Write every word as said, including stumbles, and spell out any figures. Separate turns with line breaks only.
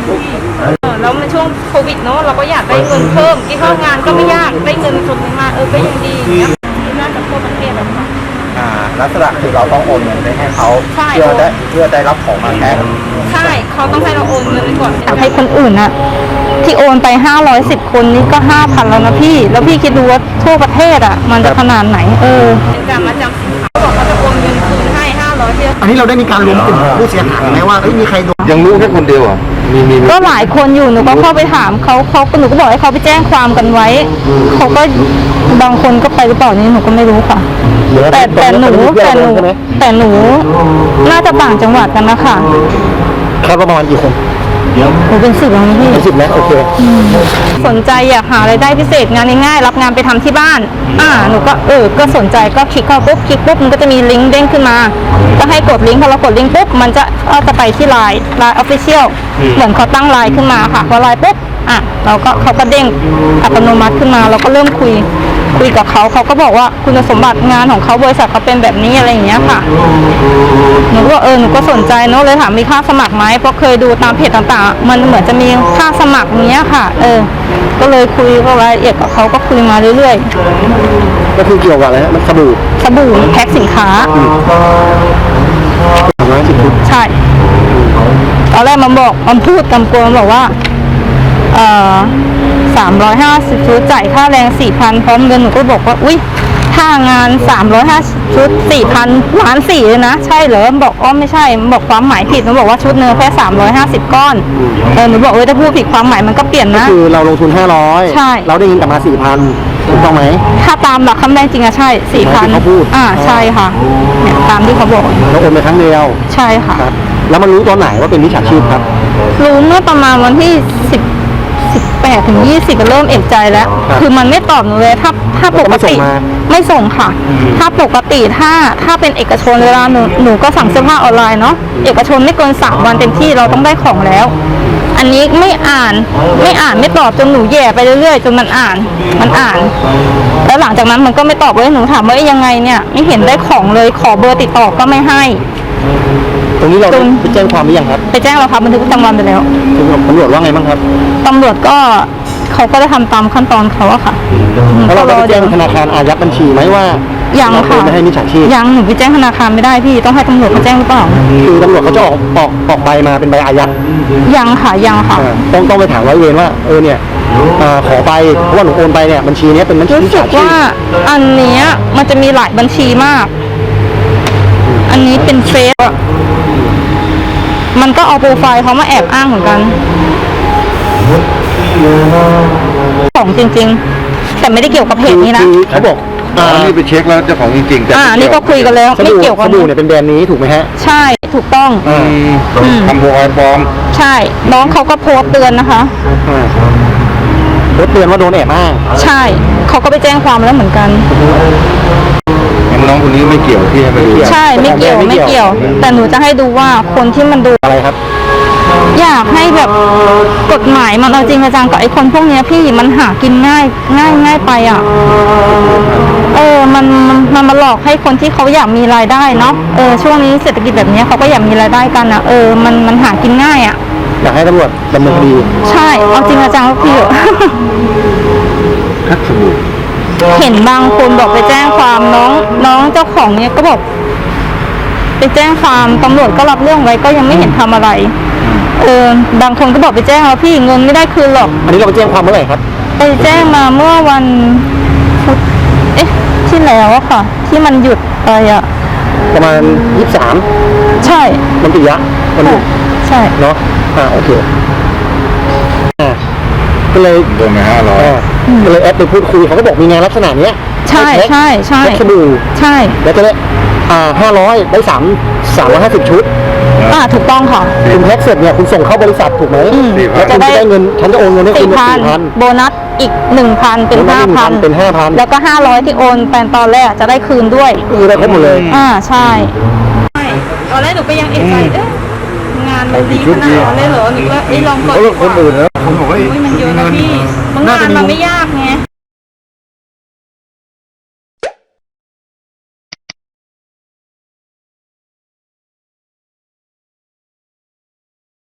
แล้วในช่วงโควิดเนาะเราก็อยากได้เงินเพิ่มที่เข้างานก็ไม่ยากได้เงินส่วนหนึ่งมาเออก็ยังดีอย่างเงี้ยน่าจะทั่วประเทศแล้วค่ะ
อ่าลักษณะคือเราต้องโอนเงินไปให้เขาเพื่อได้เพื่อได้รับของมาแทน
ใช่เขาต้องให้เราโอนเงินไปก่อนให้คนอื่นอะที่โอนไปห้าร้อยสิบคนนี่ก็ห้าพันแล้วนะพี่แล้วพี่คิดดูว่าทั่วประเทศอะมันจะขนาดไหนเออเป็นการมาจำสินค้าเขาบอกเขาจะโอนเงินคืนให้ห้าร้อยเพียง
อันนี้เราได้มีการรวมกลุ่มผู้เสียหายไหมว่าเอ้ยมีใครโดน
ยังรู้แค่คนเดียวอ่ะมีมี
ก็หลายคนอยู่หนูก็เข้าไปถามเขาเขาหนูก็บอกให้เขาไปแจ้งความกันไว้เขาก็บางคนก็ไปหรือเปล่านี่หนูก็ไม่รู้ค่ะแต่แต่หนูแต่หนูแต่หนูน่าจะต่างจังหวัดกันนะคะ
คาดว่าประมาณกี่คน
หนูเป็นสิบแล้วพี่
เป็นสิบแล้วโอเค
สนใจอยากหารายได้พิเศษงานง่ายๆรับงานไปทำที่บ้านอ่าหนูก็เออก็สนใจก็คลิกเข้าปุ๊บคลิกปุ๊บมันก็จะมีลิงก์เด้งขึ้นมาก็ให้กดลิงก์พอเรากดลิงก์ปุ๊บมันจะก็จะไปที่ไลน์ไลน์ออฟฟิเชียลเหมือนเขาตั้งไลน์ขึ้นมาค่ะพอไลน์ปุ๊บอ่ะเราก็เขาก็เด้งอัตโนมัติขึ้นมาเราก็เริ่มคุยคุยกับเขาเขาก็บอกว่าคุณสมบัติงานของเขาบริษัทเขาเป็นแบบนี้อะไรอย่างเงี้ยค่ะหนูก็เออหนูก็สนใจเนาะเลยถามมีค่าสมัครไหมเพราะเคยดูตามเพจต่างๆมันเหมือนจะมีค่าสมัครเนี้ยค่ะเออก็เลยคุยก็รายละเอียดกับเขาก็คุยมาเรื่อย
ๆก็คือเกี่ยวกับอะไรฮะมันสบู่
สบู่แพ็คสินค้าใช่ตอนแรกมันบอกมันพูดกำกวมบอกว่าเอ่อสามร้อยห้าสิบชุดจ่ายค่าแรงสี่พันพร้อมเงินหนูก็บอกว่าอุ้ยค่างานสามร้อยห้าสิบชุดสี่พันล้านสี่เลยนะใช่เหรอบอกอ๋อไม่ใช่บอกความหมายผิดหนูบอกว่าชุดเนื้อแค่สามร้อยห้าสิบก้อนเออหนูบอกเออถ้าพูดผิดความหมายมันก็เปลี่ยนนะ
คือเราลงทุนห้าร้อย
ใช่
เราได้เงินกลับมาสี่พันถูกต้องไหม
ถ้าตามหลักคำแรงจริงอะใช่สี่พัน
เขาพูด
อ่าใช่ค่ะเนี่ยตามที่เขาบอก
เราโอนไปครั้งเดียว
ใช่ค่ะ
แล้วมันรู้ตอนไหนว่าเป็นมิจฉาชีพครับ
รู้เมื่อประมาณวันที่สิบสิบแปดถึงยี่สิบเริ่มเอกใจแล้วคือมันไม่ตอบหนูเลยถ้าถ้าปกติไม่ส่งค่ะถ้าปกติถ้าถ้าเป็นเอกชนเวลาหนูหนูก็สั่งเสื้อผ้าออนไลน์เนาะเอกชนไม่เกินสามวันเต็มที่เราต้องได้ของแล้วอันนี้ไม่อ่านไม่อ่านไม่ตอบจนหนูแย่ไปเรื่อยๆจนมันอ่านมันอ่านแล้วหลังจากนั้นมันก็ไม่ตอบเลยหนูถามว่ายังไงเนี่ยไม่เห็นได้ของเลยขอเบอร์ติดต่อก็ไม่ให้
ตรงนี้เราไปแจ้งความหรือยังครับ
ไปแจ้งแล้วครับบันทึกประจำวันไปแล้ว
ตำรวจว่าไงบ้างครับ
ตำรวจก็เขาก็ได้ทำตามขั้นตอนเขาอะค่ะ
แล้วเราไปแจ้งธนาคารอายัดบัญชีไหมว่า
ยังค่ะ
ไม่ให้มิจฉาชีพ
ยังหนูไปแจ้งธนาคารไม่ได้พี่ต้องให้ตำรวจเขาแจ้งหรือเปล่า
คือตำรวจเขาจะออกออกออกใบมาเป็นใบอายัด
ยังค่ะยังค่ะ
ต้องต้องไปถามร้อยเวรว่าเออเนี่ยขอไปเพราะว่าหนูโอนไปเนี่ยบัญชีนี้เป็นบัญชี
รู้สึกว่าอันนี้มันจะมีหลายบัญชีมากอันนี้เป็นเฟซมันก็เอาโปรไฟล์เขามาแอบอ้างเหมือนกันของจริงๆแต่ไม่ได้เกี่ยวกับเพจนี้นะ
เขาบอก
อ่านี่ไปเช็คแล้วเจ้าของจริงๆแต่
อ่านี่ก็คุยกันแล้วไม่เกี่ยวกับ
สบู่เนี่ยเป็นแบรนด์นี้ถูกไหมฮะ
ใช่ถูกต้อง
ทำโปรไฟล์ปลอม
ใช่น้องเขาก็โพสต์เตือนนะคะ
โพสต์เตือนว่าโดนแอบอ้าง
ใช่เขาก็ไปแจ้งความแล้วเหมือนกัน
น้องคนนี้ไม่เกี่ยวที่ให้ไปดู
ใช่ไม่เกี่ยวไม่เกี่ยวแต่หนูจะให้ดูว่าคนที่มันดู
อะไรครับ
อยากให้แบบกฎหมายมันเอาจริงจังกับไอ้คนพวกนี้พี่มันหากินง่ายง่ายง่ายไปอ่ะเออมันมันมันมาหลอกให้คนที่เขาอยากมีรายได้เนาะเออช่วงนี้เศรษฐกิจแบบนี้เขาก็อยากมีรายได้กันอ่ะเออมันมันหากินง่ายอ่ะ
อยากให้ตำรวจดำเนินคดี
ใช่เอาจริงจังกับพี่เห็นบางคนบอกไปแจ้งความน้องน้องเจ้าของเนี่ยก็บอกไปแจ้งความตำรวจก็รับเรื่องไว้ก็ยังไม่เห็นทำอะไรเออบางคนก็บอกไปแจ้งแล้วพี่เงินไม่ได้คืนหรอก
อันนี้เราไปแจ้งความเมื่อไหร่ครับ
ไปแจ้งมาเมื่อวันพุธเอ๊ะที่แล้วอะค่ะที่มันหยุดไปอะ
ประมาณยี่สิบสาม
ใช่
มันปิยะมันหยุด
ใช่
เนาะอ่าโอเคก็เลย
โดนมาห้าร้อย
ก็เลยแอดไปพูดคุยเขาก็บอกมีงานลักษณะเนี้ย
ใช่ใช่ใช่
สบู่
ใช่
แล้วก็เลยอ่าห้าร้อยได้สามสามร้อยห้าสิบชุด
อ่าถูกต้องค่ะ
คุณแพ็คเสร็จเนี่ยคุณส่งเข้าบริษัทถูกไหมแล้วคุณจะได้เงินฉันจะโอนเงินให้คุณ
สี่พันโบนัสอีกหนึ่งพันเป็นห้าพัน
เป็นห้าพัน
แล้วก็ห้าร้อยที่โอนแปนตอนแรกจะได้คืนด้วย
คือได้ครบหมดเลย
อ่าใช่ตอนแรกหนูไปยังเอกใจเอ๊ะงานมันดีขนาดนั้นเลยเหรอหนูก็ไอ้ลองก่อนดีกว่าคนอื่นนะผมบอกว่ามันเยอะนะพี่บางงานมันไม่ยากไง